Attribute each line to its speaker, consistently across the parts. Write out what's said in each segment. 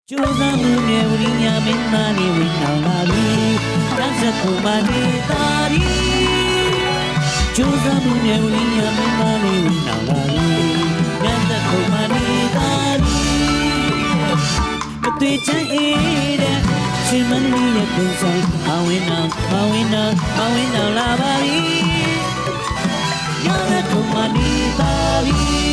Speaker 1: ကျိုးစားမှုနဲ့ဝိညာဉ်မင်းသားနေဝင်လာပြီတန်းစခုမနေတာရီကျိုးစားမှုနဲ့ဝိညာဉ်မင်းသားနေဝင်လာပြီတန်းစခုမနေတာရီမတွေ့ချင်တဲ့ရှင်မနီရဲ့ပုံစံမဝင်တော့လာပါပြီတန်းစခုမနေတာရီ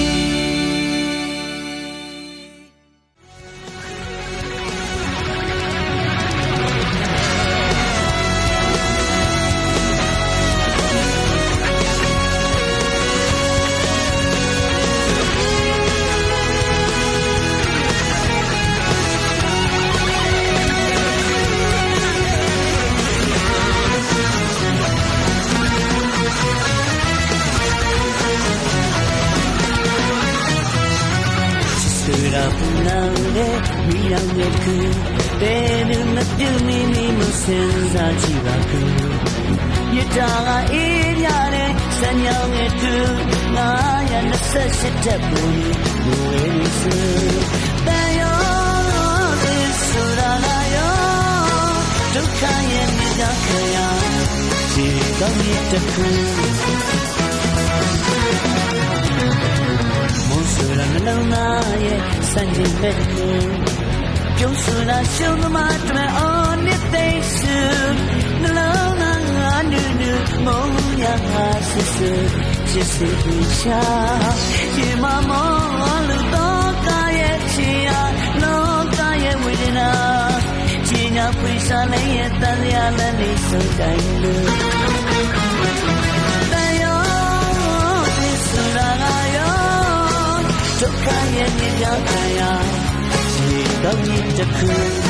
Speaker 1: ပူနာလေမိရောက်နေကူဘယ်နဲ့မပြုတ်မိမိမစင်စားကြည့်ပါကူရတာကအေးရတဲ့စံညောင်းရဲ့သူ928တက်ပူဘဝလေးစတန်ရောဒီဆိုတာလာရောဒုက္ခရဲ့မြတ်ခရဒီကောင်းရဲ့တခုMonsura nalona ye sanjin betku Pyosura shulma tme onitaisu nalona anu moya sisu jisi isha yima mo lu to ka ye chia no ka ye widina jinya prisa le ye tan ya le ni so dai luဒုက္ခရဲ့မြတ်တရားဒီကောင်းကြီးတစ်ခု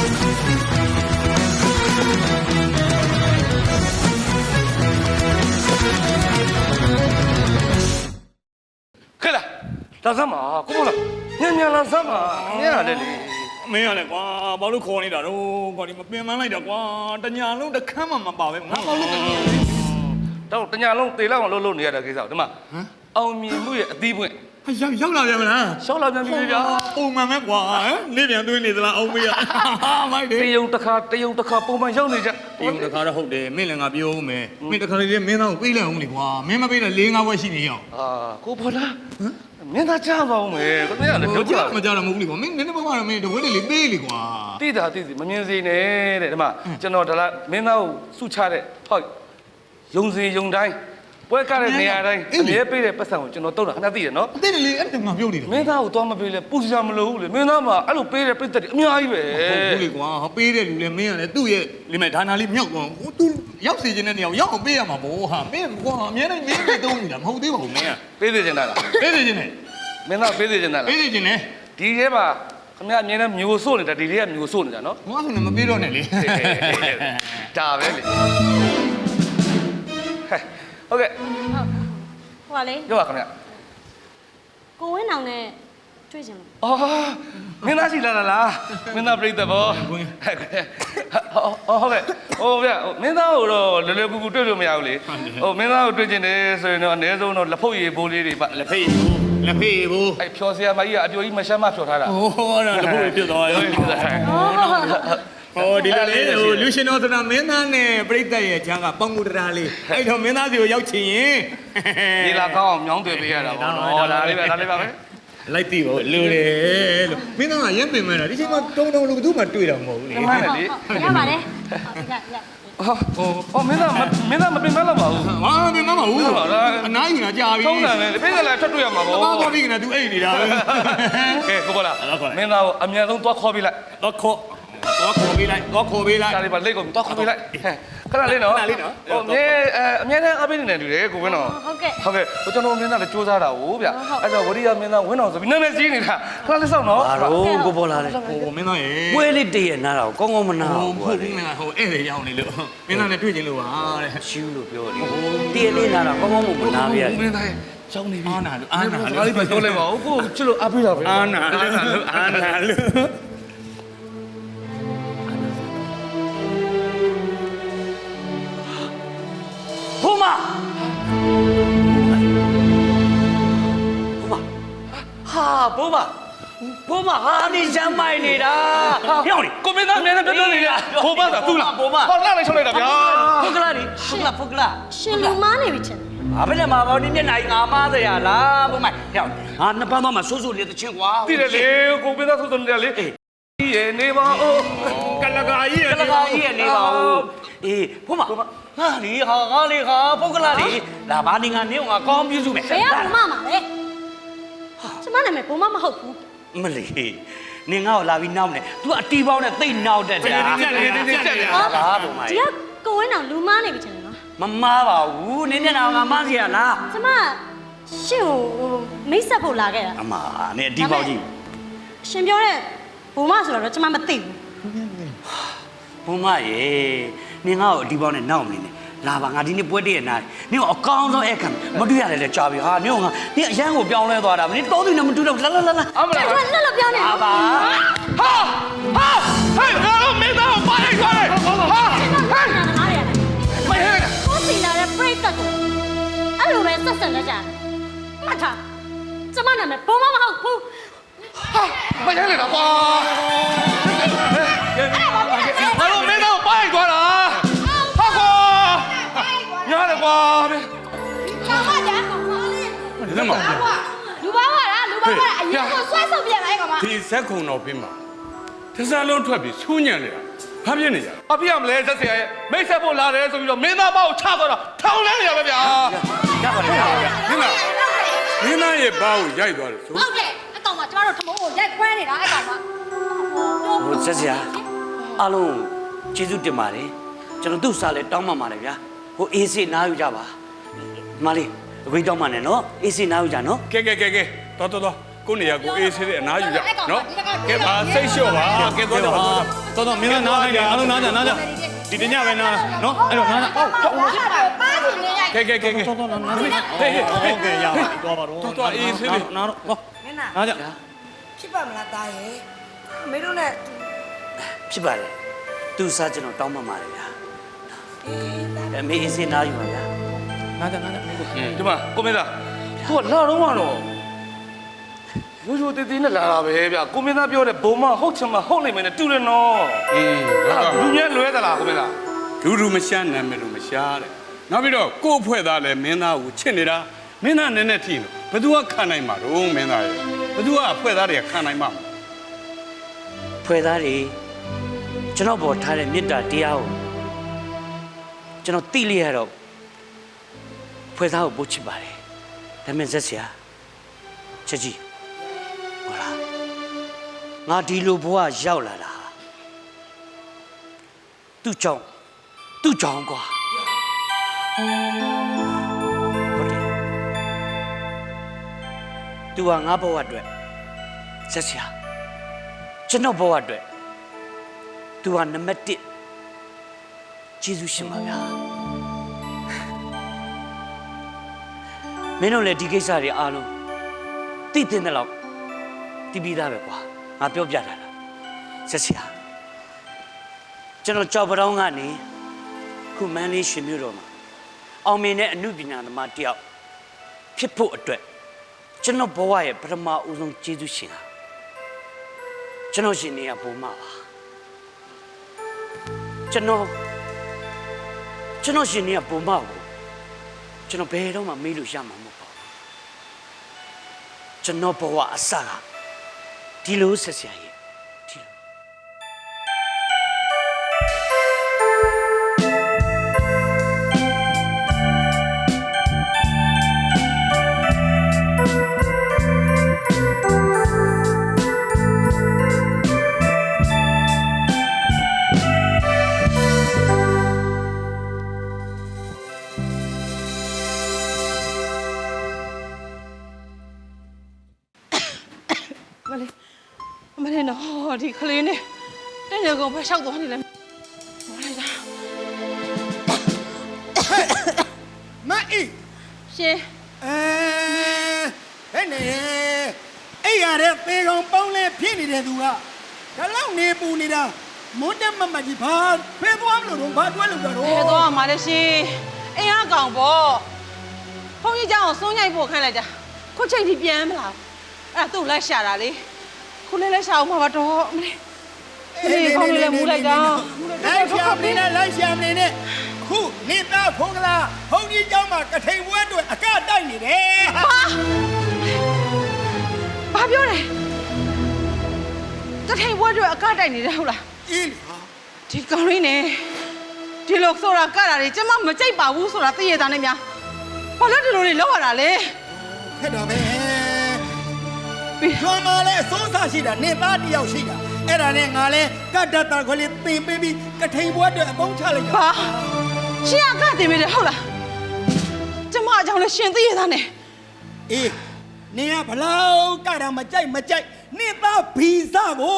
Speaker 2: ခဲ့လားလာစမ်းပါကိုမလားညံလာစမ်းပါညံရတယ်လေ
Speaker 3: မင်းရလေကွာဘာလို့ခေါ်နေတာတော့ကွာဒီမပင်မလိုက်တာကွာတညာလုံးတစ်ခမ်းမှမပါပဲငါဘာလို့
Speaker 2: တော့တညာလုံးတေလောက်အောင်လှုပ်နေရတဲ့ကိစ္စဒီမှာအောင်မြင်မှုရဲ့အသီးပွင့်
Speaker 3: ရောက်လာပြန်မလား
Speaker 2: ရှောက်လာပြန်ပြီဗျာ
Speaker 3: ပုံမှန်ပဲကွာနေပြန်သွင်းနေသလားအောင်မေးရမိုက်တယ်
Speaker 2: တယုံတစ်ခါပုံမှန်ရောက်နေကြ
Speaker 3: တယုံတစ်ခါတော့ဟုတ်တယ်မင်းလည်းငါပြောဦးမယ်မင်းတစ်ခါလေးမင်းသားကိုပေးလိုက်အောင်လေကွာမင်းမပေးတော့4-5ဘွဲရှိနေရော
Speaker 2: ကိုဖော်လားမင်းသားကြားပါဦးမယ်ကိုမင်းကလည်းတို့
Speaker 3: ကြားမကြားတော့မဟုတ်ဘူးလေကွာမင်းနည်းနည်းပါးပါတော့မင်းတဝက်လေးပေးလေကွာ
Speaker 2: တိတာတိစီမမြင်စေနဲ့တဲ့ဒီမှာကျွန်တော်ဒါလားမင်းသားကိုစုချတဲ့ဟောက်ယုံစီယုံတိုင်းပွဲကားတဲ့နေရာတိုင်းအမြဲပေးတဲ့ပတ်စံကိုကျွန်တော်တုံးတာခဏသိရနော်
Speaker 3: သိတယ်လေအဲ့ဒါငါပြောနေတယ်
Speaker 2: မင်းသားကိုသွားမပေးလဲပူစရာမလိုဘူးလေမင်းသားမှာအဲ့လိုပေးတဲ့ပြည့်တဲ့အများကြီးပဲ
Speaker 3: ဟုတ်ဘူးလေကွာပေးတဲ့လူလည်းမင်းကလည်းသူ့ရဲ့လိမဲ့ဒါနာလေးမြောက်သွားဟိုသူရောက်စီခြင်းတဲ့နေရာရောက်အောင်ပေးရမှာဗောဟာမင်းကွာအများနဲ့မင်းတွေတုံးနေတာမဟုတ်သေးပါဘူးမင်းက
Speaker 2: ပေးသေးချင်တာလား
Speaker 3: ပေးသေးခြင်းနဲ့
Speaker 2: မင်းသားပေးသေးချင်တာလား
Speaker 3: ပေးသေးခြင်းနဲ့
Speaker 2: ဒီထဲမှာခင်ဗျအမြဲတမ်းမျိုးစို့နေတာဒီထဲကမျိုးစို့နေတာနော်
Speaker 3: ငါဆိုလည်းမပေးတော့နဲ့လေ
Speaker 2: ဒါပဲလေဟုတ်ကဲ့
Speaker 4: ဟိုကလေ
Speaker 2: ပြောပါခင်ဗျ
Speaker 4: ကိုဝင်းအောင်နဲ့တွေ့ကြလို့
Speaker 2: အော်မင်းသားရှိလာလားမင်းသားပြိတ္တဘောဟုတ်ကဲ့ဟိုဗျမင်းသားကိုတော့လွယ်လွယ်ကူကူတွေ့လို့မရဘူးလေဟိုမင်းသားကိုတွေ့ကျင်တယ်ဆိုရင်တော့အနည်းဆုံးတော့လက်ဖုတ်ရည်ဘိုးလေးတွေပါ
Speaker 3: လက်ဖေးဘိုး
Speaker 2: အဲ့ဖြော်စရာမကြီးကအပြိုကြီးမရှမ်းမဖြော်ထားတာ
Speaker 3: ဟိုတော့လက်ဖုတ်ရည်ဖြစ်သွားရောဟိုဒီလိုလေဟိုလူရှင်တော်ဆိုတာမင်းသားနဲ့ပြိတ္တရဲ့ချမ်းကပေါင်ကူတရာလေးအဲ့တော့မင်းသားစီကိုရောက်ချင်ရင်
Speaker 2: ဒီလာကောင်းအောင်မြောင်းတွေ့ပေးရတာပေါ့နော်ဒါလေးပဲ
Speaker 3: လိုက်ပြီဗောလူတယ်လို့မင်းသားကရမ်းပင်မဲ့တာဒီချိန်မှာတုံလို့ဘယ်သူမှတွေ့တာမဟုတ်ဘူးလေ
Speaker 2: မှန်တယ်လေ
Speaker 4: ရပါတယ်
Speaker 2: ဟောမင်းသားမပင်မလာပါဘူး
Speaker 3: ဟာပင်မပါဘူးအနားယူတာကြာပြီ
Speaker 2: ထုံးတယ်လေပြိတ္တလည်းထွက်တွေ့ရမှာပေါ့
Speaker 3: သွားပြီးကနေသူအိတ်နေတာပဲ
Speaker 2: ကဲကိုဘောလားမင်းသားကိုအမြန်ဆုံးသွားခေါ်ပြီးလိုက်
Speaker 3: သွားခေါ်ပေးလိုက်
Speaker 2: ဒါလေးပါလက်ကုန်သွားခေါ်ပေးလိုက်ခဏလေးနော်ဟိုအမြဲတမ်းအပိနေတယ်တူတယ်ကိုဝင်းတော်
Speaker 4: ဟုတ်ကဲ့
Speaker 2: ဟိုကျွန်တော်မင်းသားလည်းစူးစမ်းတာဟိုဗျအဲ့တော့ဝရိယမင်းသားဝင်းတော်ဆိုပြီးနာမည်ကြီးနေတာခဏလေးစောင့်နော်
Speaker 1: ဘာလို့ကိုပေါ်လာလဲ
Speaker 3: ဟိုမင်းသားရေ
Speaker 1: ပွဲလေးတည့်ရနားတော့ကောင်းကောင်းမနာဘူး
Speaker 3: ဟိုဧည့်သည်ရောက်နေလို့မင်းသားနဲ့တွေ့ချင်လို့ပါတဲ့
Speaker 1: ရှူးလို့ပြောတယ်တည့်လေးနားတော့ကောင်းကောင်းမနာပြရ
Speaker 2: မင်းသားရဲ့ကျောင်းနေပြီ
Speaker 3: အာနာ
Speaker 2: ဒါလေးပဲပြောလိုက်ပါဦးကိုချစ်လို့အားပေးတာပဲ
Speaker 3: အာနာလို့
Speaker 1: ဘုမဟာဘုမဟာနေချမ်းမိုက်နေတာဟဲ့လေ
Speaker 2: ကိုမင်းသားအမြဲတမ်းပြောနေတယ်ဘိုးမသာသူ့လားဟောလာလိုက်ချုပ်လိုက်တာဗျာ
Speaker 1: ဖုတ်ကလာဒီဖုတ်ကလာ
Speaker 4: ရှင်လူမားနေပြီချင်တယ်
Speaker 1: ဘာပဲလဲမှာပေါ့ဒီမျက်နှာကြီးငါမားစရာလားဘုမဟဲ့ငါနှစ်ပန်းတော့မှဆိုးဆိုးလေးတစ်ချင်းကွာ
Speaker 2: တည်တယ်လေကိုမင်းသားဆိုနေတယ်လေရေနေပါဦး
Speaker 3: ကလကာကြီး
Speaker 1: ကလကာကြီးရနေပါဦးအေးဘုမဟာလေဟာလေဟာဖုတ်ကလာလေလာဘာနေငါနေငါကောင်းပြစုမယ်
Speaker 4: ဘယ်ကဘုမမှာလဲကျမနာမည်ဘုမမဟုတ်ဘူး
Speaker 1: မလေးနင်ငါ့ကိုလာပြီးနောက်နေ तू အတီးပေါင်းနဲ့တိတ်နောက်တက်တာ
Speaker 2: တက်တယ်
Speaker 1: ဟာဘာဘုမ
Speaker 4: ဒီကကိုဝင်းအောင်လူမားနေပြီချင်တယ်နော်
Speaker 1: မမားပါဘူးနင်မျက်နှာငါမားစရာလား
Speaker 4: ကျမရှင်ကိုမိတ်ဆက်ဖို့လာခဲ့တာ
Speaker 1: အမနင်အတီးပေါင်းကြည့်
Speaker 4: ရှင်ပြောတဲ့ဘုမဆိုတော့ကျမမသိဘူး
Speaker 1: ဘုမရေနင်ငါ့ကိုအတီးပေါင်းနဲ့နောက်နေနေလာပါငါဒီနေ့ပွဲတည့်ရနာနင်ကအကောင်းဆုံးအခမ်းမတွေ့ရတယ်လေကြာပြီဟာနင်ကငါနင်အရန်ကိုပြောင်းလဲသွားတာနင်တောသူနဲ့မတူတော့လာလာ
Speaker 2: အမလား
Speaker 4: ကျမလှလှပြောနေ
Speaker 1: ဟာပါ
Speaker 2: ဟာဟဲ့ငါတို့မင်းသားကိုပါလိုက်သွားတယ်ဟာ
Speaker 4: ဟာနားရတယ်
Speaker 2: မဟဲ့
Speaker 4: ကိုစီလာတဲ့ပြိတ္တကိုအဲ့လိုပဲဆက်ဆက်လက်ကြမှတ်ထားကျမနာမည်ဘုမမဟုတ်ဘူး
Speaker 2: ဟာမဟဲ့လေတော့ကွာငါတို့မင်းသားကိုပါလိုက်သွားတာဟာကွာညားတယ်ကွာ
Speaker 4: ဘာမှကြာ
Speaker 3: ဒီမှာ
Speaker 4: လူပါပါလားလူပါပါအရင်ကဆွဲဆုပ်ပြန်လိုက်ကောင်မ
Speaker 3: ဒီဇက်ခုံတော်ပြင်မှာတစ်စားလုံးထွက်ပြီးဆူးညံ့နေတာဘာဖြစ်နေကြလဲ
Speaker 2: ။အဖေကမလဲဆက်ဆရာရဲ့မိတ်ဆက်ဖို့လာတယ်ဆိုပြီးတော့မင်းသားမကိုချသွားတာထောင်လဲနေရပဲဗျာ
Speaker 1: ရပါတယ်ရပါတယ်
Speaker 3: မင်းသားရဲ့ဘာကိုရိုက်သွားတယ်ဆို
Speaker 4: ဟုတ်တယ်အကောင်မကျမတို့ထမုံကိုရိုက်ခွဲနေတာအဲ့ကောင်မ
Speaker 1: ဟိုဆက်စရာအားလုံးကျေးဇူးတင်ပါတယ်ကျွန်တော်သူ့စားလဲတောင်းပန်ပါတယ်ဗျာဟိုအေးစေးနားယူကြပါမလေးအခွင့်တောင်းပန်နဲ့နော်အေးစေးနားယူကြနော်
Speaker 3: ကဲတော်ကိုနေရာကိုအေးဆေးတဲ့အနားယူကြနော်ကဲပါစိတ်လျှော့ပါကဲတော့မင်းသားနားခိုင်းတယ်အားလုံးနားကြဒီတညပဲနားနော်အဲ့တော့နားကြ
Speaker 4: ပါစီနေရိုက်
Speaker 3: ကဲဟေးဟေး
Speaker 5: ဟုတ်ကဲ့ရပါတော့ပါတော့
Speaker 3: တော်အေးဆေးလေး
Speaker 5: နားတော့ဟော
Speaker 6: မင်းနာ
Speaker 5: နားကြ
Speaker 6: ဖြစ်ပါမလားတားရဲ့အမေတို့နဲ့
Speaker 1: ဖြစ်ပါတယ်သူ့စားကျွန်တော်တောင်းပန်ပါတယ်ဗျာအမေအေးစေးနားယူပါဗျာ
Speaker 5: နားကြ
Speaker 2: ဒီမှာကိုမင်းသားကိုကလာတော့မှတော့ရိုးရိုးတည်တည်နဲ့လာတာပဲဗျာကိုမင်းသားပြောတဲ့ဘုံမဟုတ်ချင်မဟုတ်နိုင်မယ်နဲ့တူတယ်နော်
Speaker 3: အေး
Speaker 2: လူမြဲလွဲသလားကိုမင်းသား
Speaker 3: ဒူမရှာနာမည်လူမရှာတဲ့နောက်ပြီးတော့ကို့အဖွဲ့သားလည်းမင်းသားကိုချစ်နေတာမင်းသားနည်းနည်းထိလို့ဘသူကခံနိုင်မှာတော့မင်းသားရဲ့ဘသူကအဖွဲ့သားတွေကခံနိုင်မှာ
Speaker 1: ဖွဲ့သားတွေကျွန်တော်ပေါ်ထားတဲ့မေတ္တာတရားကိုကျွန်တော်သိလိုက်ရတော့ဖွဲ့သားကိုပို့ချစ်ပါတယ်ဒါမဲ့ဆက်ဆရာချက်ကြီးဟုတ်လားငါဒီလိုဘဝရောက်လာတာသူ့ကြောင့်ကွာဟုတ်တယ်သူကငါဘဝအတွက်ဆက်ဆရာကျွန်တော်ဘဝအတွက်သူကနံပါတ်1ကျေးဇူးရှင်ပါဗျာမင်းတို့လည်းဒီကိစ္စတွေအားလုံးသိတဲ့လောက်သိပြီးသားပဲကွာငါပြောပြတာလားဆက်ဆရာကျွန်တော်ကြောက်ပတောင်းကနေခုမန်းလေးရှင်မြို့တော်မှာအောင်မြင်တဲ့အမှုပညာသမားတယောက်ဖြစ်ဖို့အတွက်ကျွန်တော်ဘဝရဲ့ပထမဦးဆုံးကျေးဇူးရှင်ဟာကျွန်တော်ရှင်နေရဘုံမှာပါကျွန်တော်ရှင်နေရဘုံမှာကိုကျွန်တော်ဘယ်တော့မှမေးလို့ရမှာမဟုတ်ပါဘူးကျွန်တော်ဘဝအစကဒီလိုဆက်ဆရာကြီးဒီလို
Speaker 7: မလေးနော်ဒီကလေးနဲ့တဲ့ရကောင်ပဲရှောက်သွားနေလဲမလေးလား
Speaker 8: မအေး
Speaker 7: ရှင်
Speaker 8: ဟဲ့နေအဲ့ရတဲ့သေကောင်ပေါင်းလဲဖြစ်နေတဲ့သူကဒါလောက်နေပူနေတာမွန်းတက်မမကြီးဘာဖဲသွားမလို့တော့ဘာတွဲလို့တော့
Speaker 7: ဖဲသွားမှာလေရှင်အိမ်အကောင်ပေါ့ဖုန်းကြီးเจ้าအောင်စိုးညိုက်ဖို့ခန့်လိုက်တာခုချိန်ထိပြန်မလာဘူးအဲ့ဒါသူ့လက်ရှာတာလေခုလေးလဲရှာအောင်မှာပါတော့ဒီကောင်းလေးလဲမူလိုက်တာ
Speaker 8: လိုက်ရှာမနေနဲ့လိုက်ရှာမနေနဲ့ခုနေသားဖုံးကလားဘုံကြီးเจ้าမှာကထိန်ပွဲအတွက်အကတိုက်နေတယ်ဟာ
Speaker 7: ဘာပြောလဲတထိန်ဘွဲတွေအကတိုက်နေတယ်ဟုတ်လား
Speaker 8: အေးဟာ
Speaker 7: ဒီကောင်းလေးနဲ့ဒီလိုဆိုတာကတာတွေကျမမကြိုက်ပါဘူးဆိုတာသိရတာနဲ့များဘာလို့ဒီလိုတွေလောက်ရတာလဲ
Speaker 8: ခက်တော့ပဲကျွမ်းမလဲအစိုးစားရှိတာနေသားတယောက်ရှိတာအဲ့ဒါနဲ့ငါလဲကတ်တတ်တာခွလေးတင်ပေးပြီးကထိန်ပွဲအတွက်အပေါင်းချလိုက်တာ
Speaker 7: ဘာရှင်အကတင်မိတယ်ဟုတ်လားကျမအကြောင်းလဲရှင်သိရတာနဲ့
Speaker 8: အေးနေကဘလောက်ကတာမကြိုက်နေသားဗီဇကို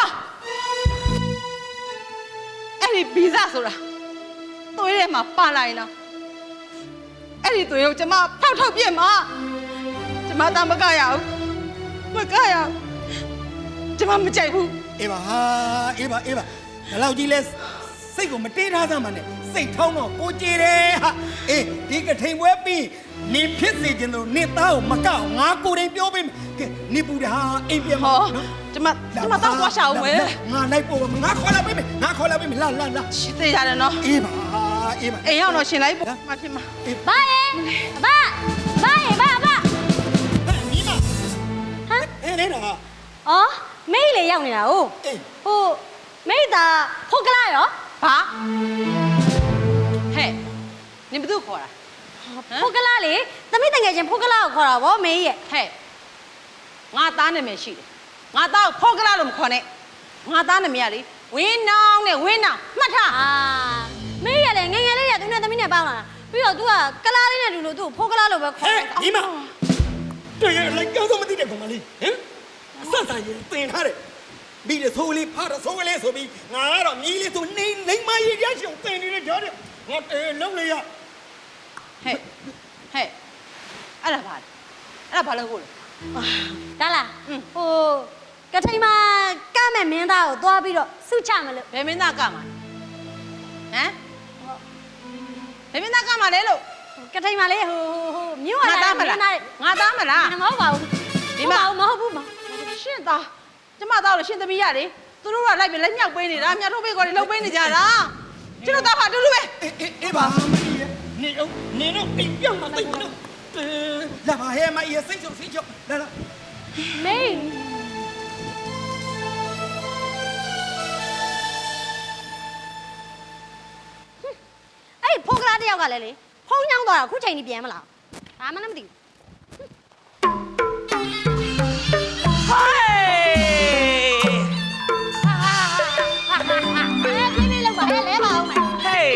Speaker 7: အဲ့ဒီဗီဇဆိုတာသွေးထဲမှာပါလာရင်တော့အဲ့ဒီသွေးကိုကျမဖောက်ထုတ်ပြစ်မှာကျမသားမကရဘူးမကရဘူးကျမမကြိုက်ဘူး
Speaker 8: အေးပါဟာအေးပါဘလောက်ကြီးလဲစိတ်ကိုမတေးထားစမ်းပါနဲ့စိတ်ထောင်းတော့ကိုကြည်တယ်ဟာအေးဒီကထိန်ပွဲပြီးနေဖြစ်စေခြင်းတို့နေသားကိုမကောက်ငါကိုယ်တိုင်ပြောပေးမယ်ကဲနေပူတယ်ဟာအိမ်ပြန်မ
Speaker 7: ဟော
Speaker 8: နော်
Speaker 7: ကျမတော့သွားရှာအောင်မယ်
Speaker 8: ငါလိုက်ပို့ငါခေါ်လာပေးမယ်လာ
Speaker 7: ရှင်သိရတယ်နော်
Speaker 8: အေးပါအေးပါ
Speaker 7: အိမ်ရောက်တော့ရှင်လိုက်ပို့မဖြစ်မှာ
Speaker 4: ဘာရဲ့ဘာဘာ
Speaker 8: ညီမ
Speaker 4: ဟမ်
Speaker 8: အေးနေတာ
Speaker 4: အော်မိတ်လေရောက်နေတာ哦
Speaker 8: အေး
Speaker 4: ဟိုမိတ်သားဟုတ်ကလားရော
Speaker 7: ဘာဟဲ့နင်ဘသူခေါ်တာ
Speaker 4: ဟုတ်ကလားလေသမီးတငယ်ချင်းဟုတ်ကလားကိုခေါ်တာဗောမေးရဲ့
Speaker 7: ဟဲ့ငါသားနာမည်ရှိတယ်ငါသားကိုဖောက်ကလာလို့မခေါ်နဲ့ငါသားနာမည်ကလေဝင်းနောင်နဲ့ဝင်းနောင်မှတ်ထား
Speaker 4: အာမေးရလေငယ်ငယ်လေးရသူနဲ့သမီးနဲ့ပေါင်းလာတာပြီးတော့ तू ကကလားလေးနဲ့တူလို့ तू ဖို့ကလားလို့ပဲခေါ်
Speaker 8: ဟဲ့
Speaker 4: တာ
Speaker 8: ညီမတွေ့ရလိုက်ကြောက်တော့မသိတဲ့ကောင်မလေးဟမ်အဆန်ဆိုင်ရင်တင်ထားတယ်ပြီးတော့ဆိုးလေးဖားတော့ဆိုးလေးဆိုပြီးငါကတော့မြည်လေးဆိုနေမရရရှုံတင်နေတဲ့ဓာတ်တယ်ငါလုံးလေးရ
Speaker 7: ဟဲ့အဲ့ဒါဘာလဲအဲ့ဒါဘာလို့ကိုလဲ
Speaker 4: ဒါလားဟိုကထိန်မှာကမဲ့မင်းသားကိုသွားပြီးတော့စုချမလို့
Speaker 7: ဘယ်မင်းသားကမှာဟမ်ဘယ်မင်းသားကမှာလဲလို့
Speaker 4: ကထိန်မှာလေဟိုမြို့
Speaker 7: ငါ
Speaker 4: လာ
Speaker 7: သားမလားငါသားမလား
Speaker 4: မဟုတ်ပါဘူးဒီမှာမဟုတ်ဘူး
Speaker 7: ရှင့်သားကျမသားလို့ရှင့်သမီးရလေသူတို့ကလိုက်ပြီးလက်မြောက်ပေးနေတာမြတ်ထုတ်ပေးကောတွေလှုပ်ပေးနေကြတာကျတို့သားဖာတူတူပဲ
Speaker 8: အေးပါမကြီးနေတော့အိမ်ပြောင်းမသိဘူးနော်လာပါဟဲ့မအေးစိတ်ချုပ်လာ
Speaker 4: မေးအဲ့ဖိုကလာတယောက်ကလည်းလေဖုံးညောင်းသွားတာခုချိန်ကြီးပြန်မလားဘာမှမသိဘူးဟေးပြင်းပြလောက်ပါဟဲ့လဲပါအောင်မယ်
Speaker 1: Hey!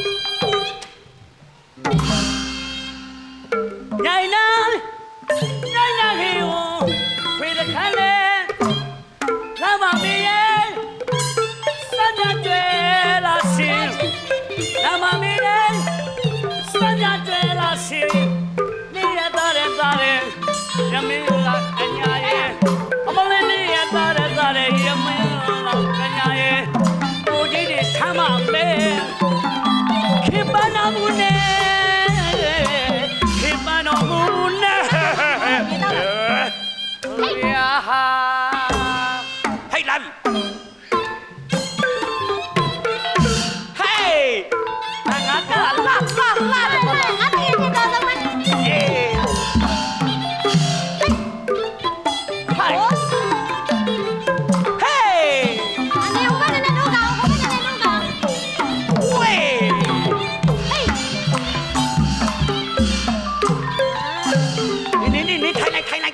Speaker 1: Naina! Naina heo! Pray the kale! Lama miye! Sanya jwe la sim! Lama miye! Sanya jwe la sim! Niya dare! Yami la kanya ye! Amale niya dare! Yami la kanya ye! Oji ni thama me! Kibana mune, hey, love you. Hey, angaka, la.
Speaker 4: ငါတကယ်ကြတော့မ
Speaker 1: Yeah. Hi. Hey.
Speaker 4: အနေဟိုကနေတော့ကောင်ဟိုကနေတော့ကောင်
Speaker 1: Wait.
Speaker 4: ဟေး
Speaker 1: นี่ထိုင်လိုက်
Speaker 4: ကလာ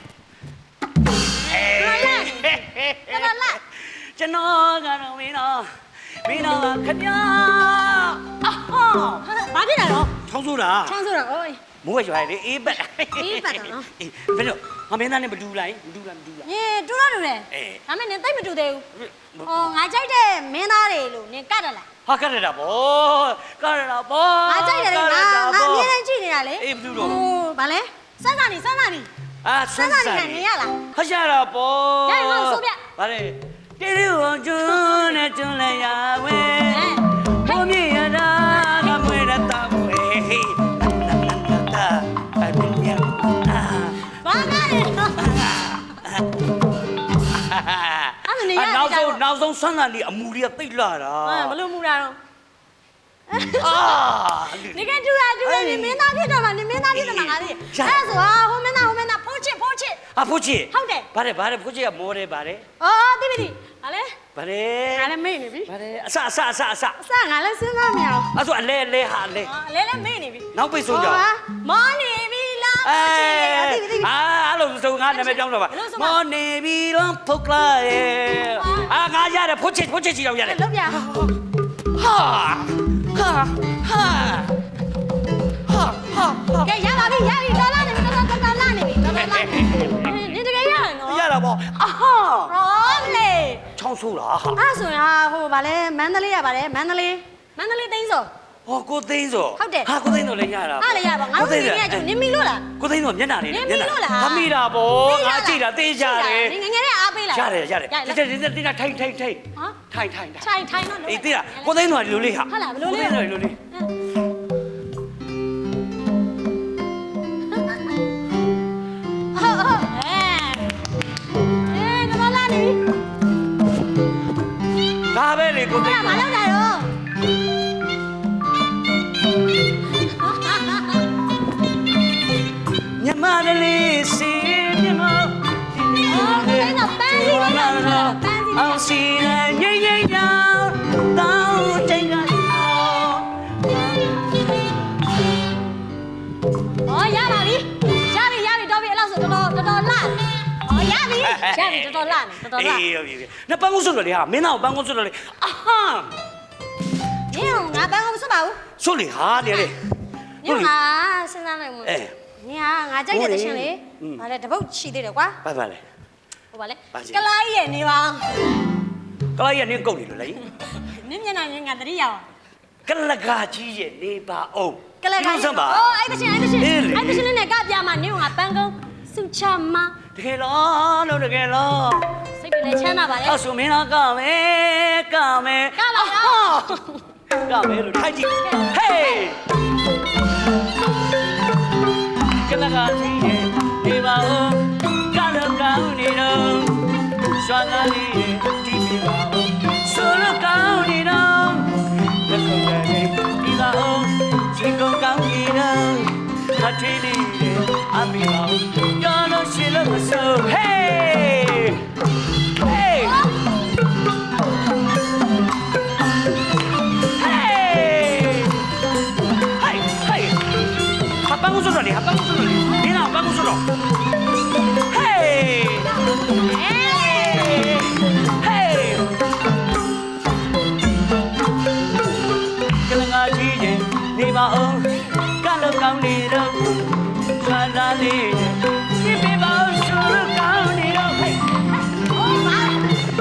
Speaker 4: လာ
Speaker 1: ကျွန်တော်ကတော့မင်းတော့ခင်ဗျာ
Speaker 4: အော်ဘာဖြစ်တာတော့
Speaker 1: ချောင်းဆိုတာ
Speaker 4: ချမ်းဆိုတာအိုး
Speaker 1: မိုးရွာလေအေးပတ်
Speaker 4: အေးပတ်တာနော်
Speaker 1: ဘယ်လိုငါမင်းသားနဲ့မတူလိုက်မတူလား
Speaker 4: ညတူတော့တူတယ်
Speaker 1: အေး
Speaker 4: ဒါမဲ့နင်သိပ်မတူသေးဘူးအော်ငါကြိုက်တဲ့မင်းသားတွေလို့နင်ကတ်တယ်လား
Speaker 1: ဟာကရတာဗောကရတာဗော
Speaker 4: ငါကြိုက်တယ်လေငါအမြဲတမ်းကြည့်နေတာလေ
Speaker 1: အေးဘယ်သူတော့
Speaker 4: ဟိုဘာလဲစမ်းစာနီ
Speaker 1: အာဆန်းဆန်း
Speaker 4: နေရလား
Speaker 1: ဟာရတာဗော
Speaker 4: ရရင်ငါ့ကိုဆိုပြ
Speaker 1: ဗါလေတေးရုံကျွန်းနဲ့ကျွန်းလည်းရဝဲဘုံမြေရတာကမွေရတာဝဲဟေးတာအပင်ရအာ
Speaker 4: ဘာကလဲနော်
Speaker 1: ကောင်းဆန်းလာလေအမူတွေကသိလာတာ
Speaker 4: ဘလို့မူတာတော့
Speaker 1: အာ
Speaker 4: နေကတူတာနေမင်းသားဖြစ်တော့မှနေမင်းသားဖြစ်တော့မှငါသိအဲ့ဆိုဟာဟိုမင်းသားဖိုးချစ်
Speaker 1: အဖိုးချစ်
Speaker 4: ဟုတ်တယ်
Speaker 1: ဗါတယ်ဖိုးချစ်ကမောတယ်ဗါတယ်
Speaker 4: အော်တိပိတိဟာလေ
Speaker 1: ဗါတယ်
Speaker 4: ငါလည်းမေ့နေပြီ
Speaker 1: ဗါတယ်အစ
Speaker 4: အစငါလည်းစဉ်းစားမရအောင်
Speaker 1: အဲ့ဆိုအလဲဟာလဲ
Speaker 4: လဲမေ့နေပြီ
Speaker 1: နောက်ပိတ်ဆုံးကြအောင်
Speaker 4: မောနေပြီလားဖိုးချစ်တိပိတိ
Speaker 1: အဲ့လိုဆိုငါနာမည်ပြောင်းတော့ပါမောနေပြီလုံးဖုတ်လာရဲ့ငါရတယ်ဖိုးချစ်ချီတော့ရတယ်
Speaker 4: လောက်ပြ
Speaker 1: ဟာ
Speaker 4: ကဲရပါပြီတော်လာနေပြီတော်လာနေပြီနေတကယ်ရရနော်
Speaker 1: ရတာပေါ့အာဟာ
Speaker 4: ဟောလေ
Speaker 1: ချောင်းဆိုးလားဟာ
Speaker 4: အဲ့ဆိုရင်ဟိုဗာလဲမန္တလေးရပါတယ်မန္တလေးသိန်းစော
Speaker 1: ဟောကိုသိန်းစော
Speaker 4: ဟုတ်တယ်
Speaker 1: ဟာကိုသိန်းစောလည်းရတာ
Speaker 4: အားလည်းရပါငါတို့နေရကျနင်မီလို့လား
Speaker 1: ကိုသိန်းစောမျက်နှာလေး
Speaker 4: နင်မီလို့လား
Speaker 1: ဟာမိတာပေါ့ငါကြည့်တာသိကြတယ်
Speaker 4: ငငယ်နဲ့အားပေးလား
Speaker 1: ရတယ်ဒီထိုင်ထိုင်
Speaker 4: ဟမ်
Speaker 1: ထိုင်
Speaker 4: တော့
Speaker 1: အေးသိလားကိုသိန်းစောဒီလိုလေးဟာ
Speaker 4: ဟုတ်လားဘယ်လိုလဲ
Speaker 1: ကိုသိန်းစောဒီလိုလေး
Speaker 4: ဟုတ်တော်လာနေပြီ
Speaker 1: ဒါပဲလေကိုသိန်း
Speaker 4: မလောက်တာတော့
Speaker 1: ညမလေးစီမြမ
Speaker 4: အော်ကိုသိန်းတော့ပန်းစီပါလားပန်းစီ
Speaker 1: အောင်စီငိမ့်ငိမ့်ကြောင်တောင်းချိန်က
Speaker 4: อ๋อရပါပြီတော်ပြီအဲ့လောက်ဆိုတော်လာอ๋อရပြီတော်လာတော်လာ
Speaker 1: အေးဟုတ်ပြီနပန်းကုန်းဆွတ်လို့လေဟာမင်းသားကိုပန်းကုန်းဆွတ်လို့လေအာဟာ
Speaker 4: ညငါပန်းကိုမစွတ်ပါဘူး
Speaker 1: ဆွတ်လေဟာနေလေ
Speaker 4: ညငါစဉ်းစားလိုက်မလို့ညငါကြိုက်တဲ့တရှင်လေဗါလဲတပုတ်ရှိသေးတယ်ကွာ
Speaker 1: ဘာလဲ
Speaker 4: ဟိုဗါလဲကလာကြီးရဲ့နေပါ
Speaker 1: ကလာရဲ့နင်းကုတ်နေလို့လေ
Speaker 4: နင်းမျက်နှာငါတတိယအောင်
Speaker 1: ကလကာကြီးရဲ့နေပါအောင်
Speaker 4: ကလာကြီး
Speaker 1: စမ်းပါ
Speaker 4: အော်အဲ့တရှင်နဲ့ကပြမှာနင်းငါပန်းကုန်းစုချမ
Speaker 1: တကယ်လားလို့တကယ်လား
Speaker 4: စိတ်တွေလည်းချမ်းသာပါလေ
Speaker 1: အဲ့ဆိုမင်းသားကမယ်ကပါမယ်လို့ထိုက်ကြည့်ဟေးကလကာကြီးရဲ့နေပါအောင်ကလကောင်းနေတော့စွမ်းကားလေးရဲ့ဒီပြပါအောင်ဆိုလိုကောင်းနေတော့လက်ခုပ်လေးဒီပါအောင်စိတ်ကောင်းကောင်းနေတော့ခတ်သေးလေးရဲ့အမေပါကြော်လို့ရှိလို့မဆိုဟေးဟေးပန်းကုန်းဆိုတော့လေပန်းကုန်းဆိုတော့လေဒီနာပန်းကုန်းဆိုတော့ဟေးဟေးကလငါကြီးရဲ့နေပါအောင်ကလောက်ကောင်းနေတော့ဆွာလာလေးပြပြပါဆိုလို့ကောင်းနေတော့ဟေးကောင်း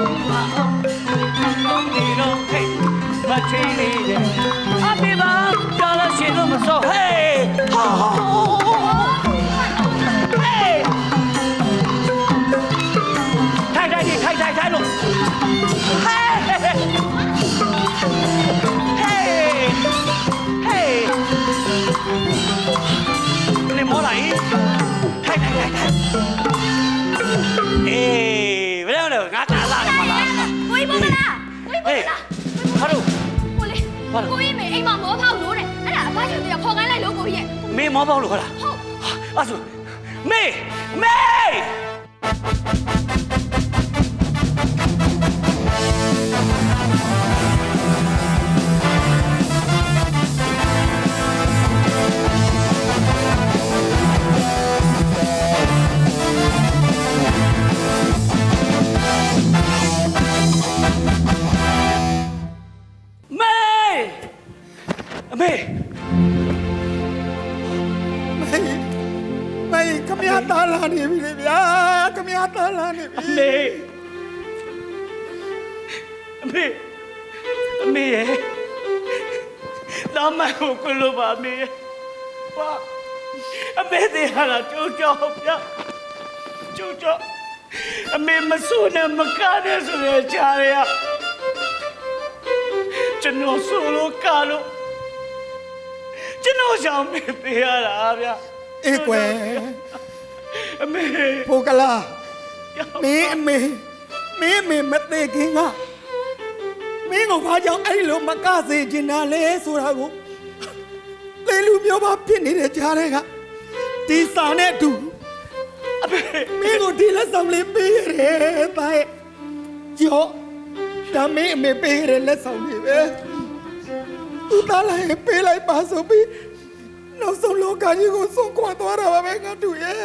Speaker 1: နေတော့ဟေးမချီလေးရဲ့အပြပါကြော်လို့ရှိလို့မဆိုဟေးဟာထိုင်လို့ဟေးနေမောလိုက်ထိုင်အေးဘယ်လိုလဲငါတာလာတယ်မလား
Speaker 4: ကိုကြီးမမလားကိုကြီးမမလား
Speaker 1: ဟာတို့
Speaker 4: ကိုလေးကိုကြီးမေအိမ်မှာမောဖောက်လို့တဲ့အဲ့ဒါအဖချင်တည်းဖော်ခိုင်းလိုက်လို့ကိုကြီးရဲ့
Speaker 1: မေမောပေါက်လို့ခေါ်လား
Speaker 4: ဟုတ်
Speaker 1: အဲ့ဆိုမေအမေ
Speaker 8: မေခမရတာလာနေပြီလေဗျာခမရတာလာနေပြီ
Speaker 1: အမေရဲ့လာမကိုကလို့ပါမေပါအမေတဲ့ဟာလာကျိုးကြောက်ပြကျိုးကြောက်အမေမဆူနဲ့မကားနဲ့ဆိုရချာရကျွန်တော်ဆိုလို့ကားလို့ကျွန်တော်ရှောင်မေးပေးရတာဗျာ
Speaker 8: အေးကွယ်
Speaker 1: အမေ
Speaker 8: ဖိုကလာမင်းအမေမင်းမသေးခင်ကင်းကိုဘာကြောင့်အဲ့လိုမကစေချင်တာလဲဆိုတာကိုလေလူမျိုးပါဖြစ်နေတဲ့ကြားတွေကဒီစာနဲ့အတူအဖေမင်းကိုဒီလက်ဆောင်လေးပေးရတယ်ပါရဲ့ကျော်ဒါမင်းအမေပေးရတဲ့လက်ဆောင်လေးပဲသူသားလိုက်ပေးလိုက်ပါဆိုပြီးနောက်ဆုံးလောကကြီးကိုဆုံးခွာသွားတာပါပဲငါတို့ရဲ့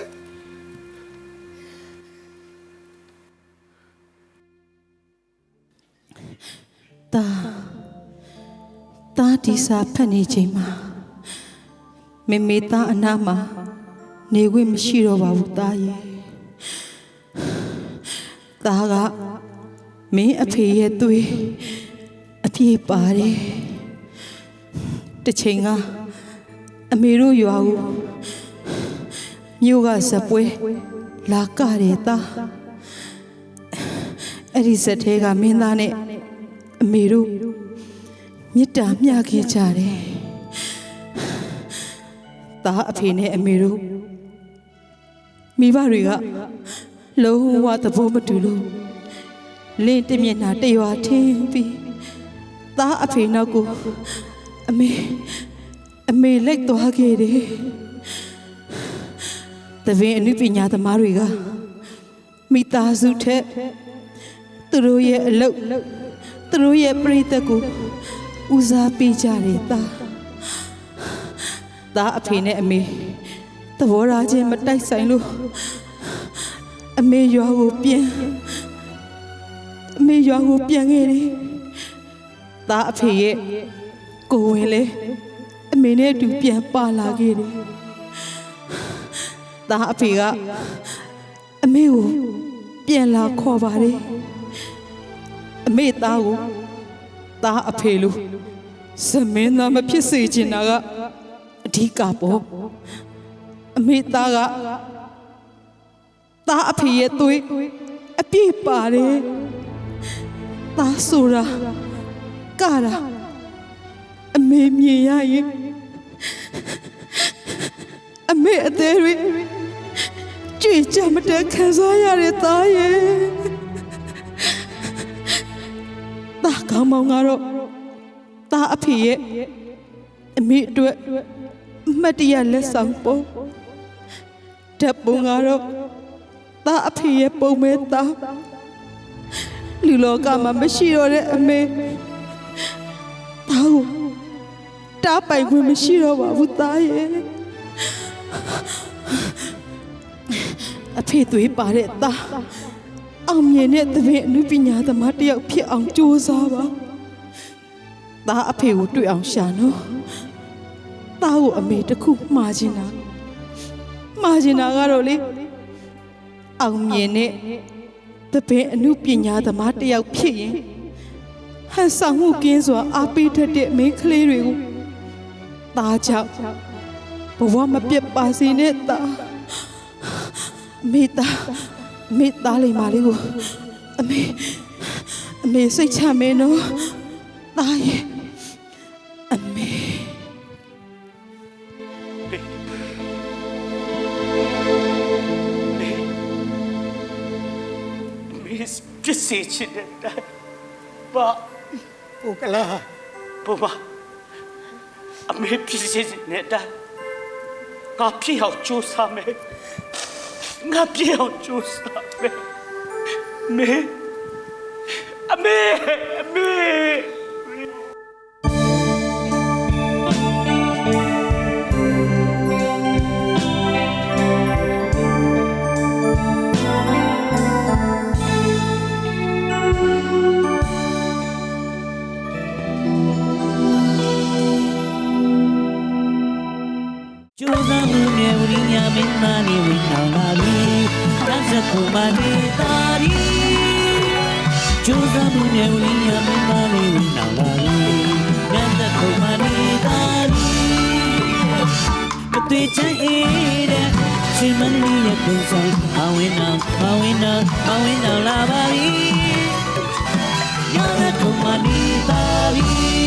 Speaker 7: တာဒီစာဖတ်နေချိန်မှာမေသားအနားမှာနေခွင့်မရှိတော့ပါဘူးတာရဲ့တာကမင်းအဖေရဲ့သွေးအပြည့်ပါတယ်တစ်ချိန်ကအမေတို့ရွာကိုမြို့ကဇပွဲလာကတယ်တာအဲ့ဒီဇက်ထဲကမင်းသားနဲ့အမေတို့မေတ္တာမျှခဲ့ကြတယ်။သားအဖေနဲ့အမေတို့မိဘတွေကလုံးဝသဘောမတူလို့လင်းတမျက်နှာတရွာထင်းပြီးသားအဖေနောက်ကိုအမေလိုက်သွားခဲ့တယ်။တပင်အနုပညာသမားတွေကမိသားစုထက်သူတို့ရဲ့အလုပ်သူတို့ရဲ့ပြိတ္တကိုဦးစားပေးကြတယ်သားအဖေနဲ့အမေသဘောထားချင်းမတိုက်ဆိုင်လို့အမေရွာကိုပြန်ခဲ့တယ်သားအဖေရဲ့ကိုဝင်လေအမေနဲ့အတူပြန်ပါလာခဲ့တယ်သားအဖေကအမေကိုပြန်လာခေါ်ပါတယ်အမေသားကိုသားအဖေလို့စမင်းသားမဖြစ်စေချင်တာကအဓိကပေါ့အမေသားကသားအဖေရဲ့သွေးအပြည့်ပါတယ်သားဆိုတာကတာအမေမြင်ရရင်အမေအသေးတွေကြွေကြမတက်ခံစားရတဲ့သားရဲ့သားကောင်းမောင်ကတော့သားအဖေရဲ့အမေအတွက်မတ်တရလက်ဆောင်ပုံဓာတ်ပုံကတော့သားအဖေရဲ့ပုံမဲသားလူလောကမှာမရှိတော့တဲ့အမေသားကိုတားပိုင်ခွင့်မရှိတော့ပါဘူးသားရဲ့အဖေသွေးပါတဲ့သားအောင်မြင်တဲ့သပင်အနုပညာသမားတယောက်ဖြစ်အောင်ကြိုးစားပါသားအဖေကိုတွေ့အောင်ရှာနော်သားကိုအမေတစ်ခုမှားချင်တာကတော့လေအောင်မြင်တဲ့သပင်အနုပညာသမားတယောက်ဖြစ်ရင်ဟန်ဆောင်မှုကင်းစွာအားပေးတတ်တဲ့မိန်းကလေးတွေကိုသားကြောင့်ဘဝမပြတ်ပါစေနဲ့သားမေတ္တာလေးမလေးကိုအမေစိတ်ချမယ်နော်သားရဲ့အမေ
Speaker 5: ပြစ်စေချင်တဲ့ဘာ
Speaker 8: ဟုတ်ကလား
Speaker 5: ဘာအမေပြစ်စေချင်တဲ့ငါပြည့်အောင်ကြိုးစားမယ်ငါပြည့်အောင်ကြိုးစားမယ်အမေ
Speaker 1: ကျိုးစားမှုနဲ့ဝိညာဉ်မင်းသားနေဝင်အောင်လာပြီတတ်စကူမနေတာရီကျိုးစားမှုနဲ့ဝိညာဉ်မင်းသားနေဝင်အောင်လာပြီတတ်စကူမနေတာရီအတွေ့ချင်တဲ့စီမံနေရဲ့ပုံစံမဝင်အောင်လာပါပြီရတဲ့ကူမနေတာရီ